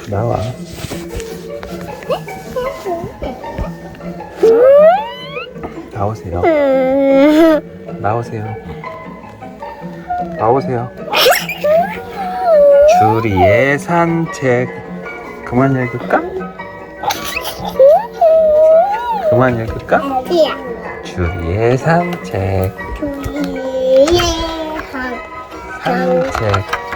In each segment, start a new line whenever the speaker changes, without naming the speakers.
나와. 나오세요. 나오세요. 나오세요. 주리의 산책. 그만 읽을까? 그만 읽을까?
어디야?
주리의 산책.
주위의
산책.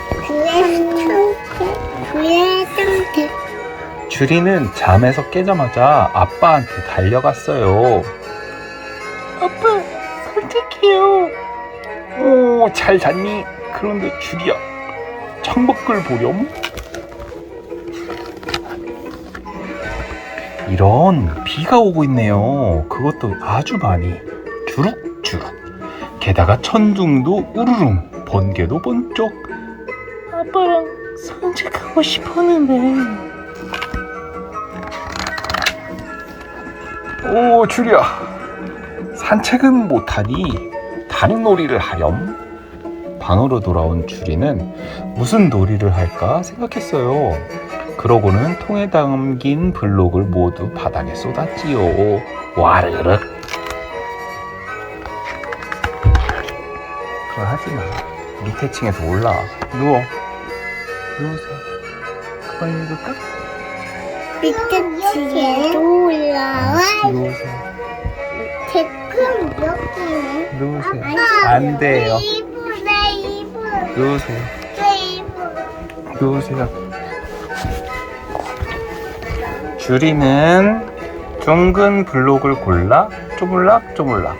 주위의 상태.
주리는 잠에서 깨자마자 아빠한테 달려갔어요. 아빠, 산책해요. 오, 잘 잤니? 그런데 주리야, 창밖을 보렴? 이런, 비가 오고 있네요. 그것도 아주 많이. 주룩주룩. 게다가 천둥도 우르릉, 번개도 번쩍. 아빠랑 산책하고 싶었는데. 오, 주리야, 산책은 못하니 다른 놀이를 하렴. 방으로 돌아온 주리는 무슨 놀이를 할까 생각했어요. 그러고는 통에 담긴 블록을 모두 바닥에 쏟았지요. 와르르. 그거 하지마. 밑에 층에서 올라와. 누워. 누우세요. 그만 읽을까?
밑에 층에도 올라와.
누우세요.
댓글 몇 개네?
누우세요. 안 돼요.
이불.
누우세요. 누우세요. 주리는 둥근 블록을 골라 쪼물락쪼물락.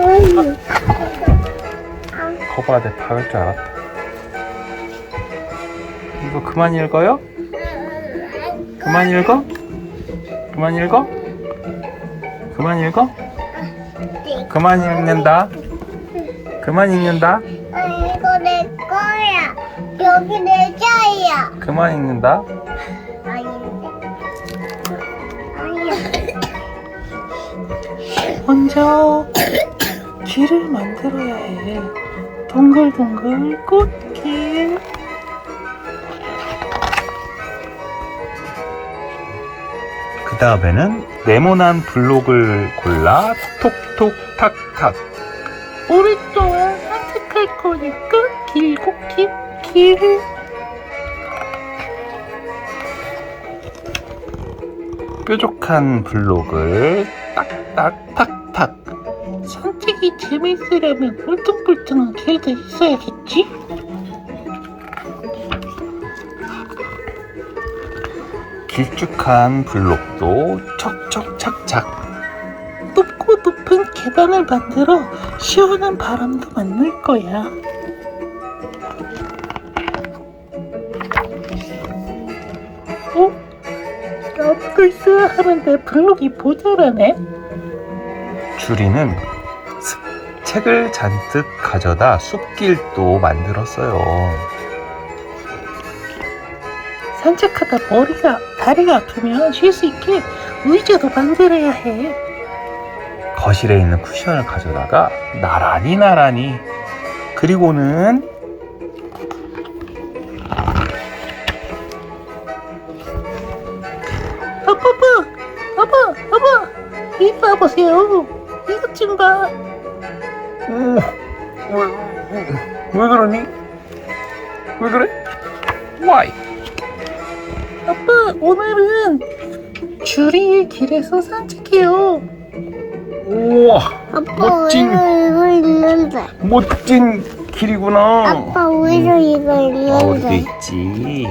거봐, 내 박을 줄 알았다. 이거 그만 읽어요? 그만 읽어? 그만 읽어? 그만 읽어? 그만 읽는다. 그만 읽는다.
이거 내 거야. 여기 내 자리야.
그만 읽는다.
아닌데. 아니야.
먼저 길을 만들어야 해. 동글동글 꽃길.
그 다음에는 네모난 블록을 골라 톡톡 탁탁.
오랫동안 산책할 거니까 길고 긴 길.
뾰족한 블록을 딱딱탁탁.
산책이 재밌으려면 울퉁불퉁한 길도 있어야겠지?
길쭉한 블록도 척척착착.
높고 높은 계단을 만들어 시원한 바람도 만들 거야. 어? 나도 있어야 하는데 블록이 모자라네?
주리는 책을 잔뜩 가져다 숲길도 만들었어요.
산책하다 다리가 아프면 쉴 수 있게 의자도 만들어야 해.
거실에 있는 쿠션을 가져다가 나란히 그리고는
아빠, 이리 와보세요. 이것 좀 봐.
왜 그러니? 왜 그래? Why?
아빠, 오늘은 주리의 길에서 산책해요.
우와,
아빠
멋진.
왜 이거 있는데?
멋진 길이구나.
아빠 왜 이거
어디도
있는데?
있지.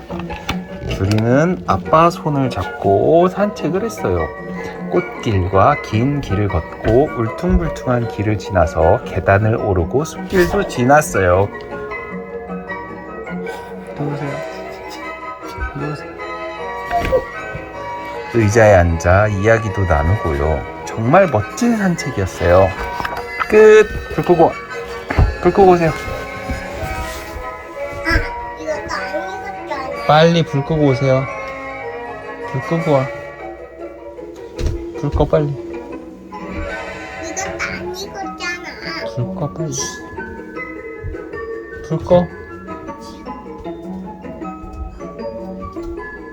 주리는 아빠 손을 잡고 산책을 했어요. 꽃길과 긴 길을 걷고 울퉁불퉁한 길을 지나서 계단을 오르고 숲길도 지났어요. 누우세요. 누우세요. 의자에 앉아 이야기도 나누고요. 정말 멋진 산책이었어요. 끝. 불 끄고 오세요.
이것도 안 익었잖아.
빨리 불 끄고 오세요. 불 끄고 와. 불 꺼 빨리.
이것도 안 익었잖아.
불 꺼 빨리. 불 꺼.